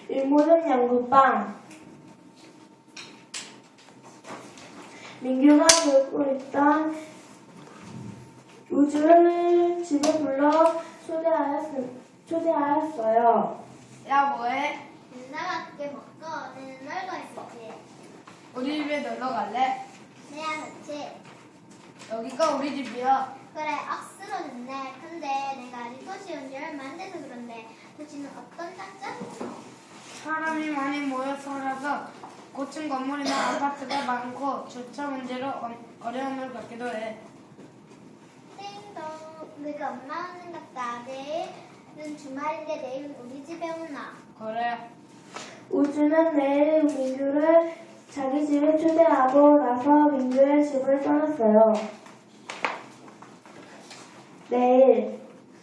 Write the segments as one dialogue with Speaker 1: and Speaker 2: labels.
Speaker 1: 일모는 양구빵. 민규가 놀고 있던 우주를 집에 불러 초대하였어요.
Speaker 2: 야, 뭐해?
Speaker 3: 나밖에 먹고 너는 놀고 있었지.
Speaker 2: 우리 집에 놀러 갈래?
Speaker 3: 내야 그렇지.
Speaker 2: 여기가 우리 집이야.
Speaker 3: 그래 억수로 좋네. 근데 내가 이 도시 온 지 얼마 안 돼서 그런데 도시는 어떤 장점이 있어?
Speaker 2: 사람이 많이 모여 살아서 고층 건물이나 아파트가 많고 주차 문제로 어려움을 겪기도 해.
Speaker 3: 띵동 내가 엄마 오는 같다. 내일은 주말인데 내일은 우리 집에 오나?
Speaker 2: 그래.
Speaker 1: 우주는 내일 민규를 자기 집에 초대하고 나서 민규의 집을 떠났어요. 내일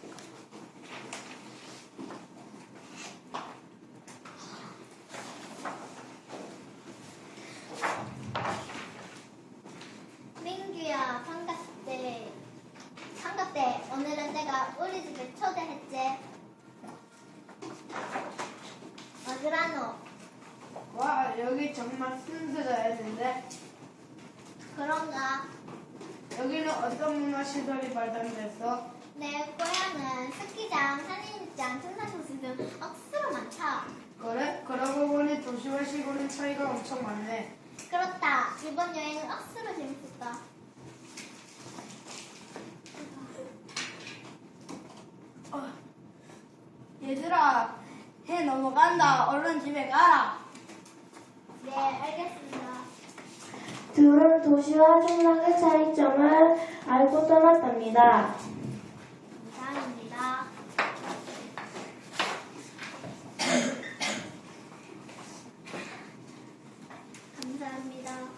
Speaker 3: 민규야 반갑대. 반갑대. 오늘은 내가 우리 집에 초대했지. 어디라노?
Speaker 2: 와, 여기 정말 순수했는데
Speaker 3: 그런가?
Speaker 2: 여기는 어떤 문화시설이 발달됐어?
Speaker 3: 내 고향은 스키장, 산림장, 등산코스 등 억수로 많다.
Speaker 2: 그래? 그러고 보니 도시와 시골은 차이가 엄청 많네.
Speaker 3: 그렇다. 이번 여행은 억수로 재밌었다.
Speaker 2: 얘들아, 해 넘어간다. 얼른 집에 가라.
Speaker 3: 네, 알겠습니다.
Speaker 1: 둘은 도시와 생각의 차이점을 알고 떠났답니다.
Speaker 3: 이상입니다. 감사합니다.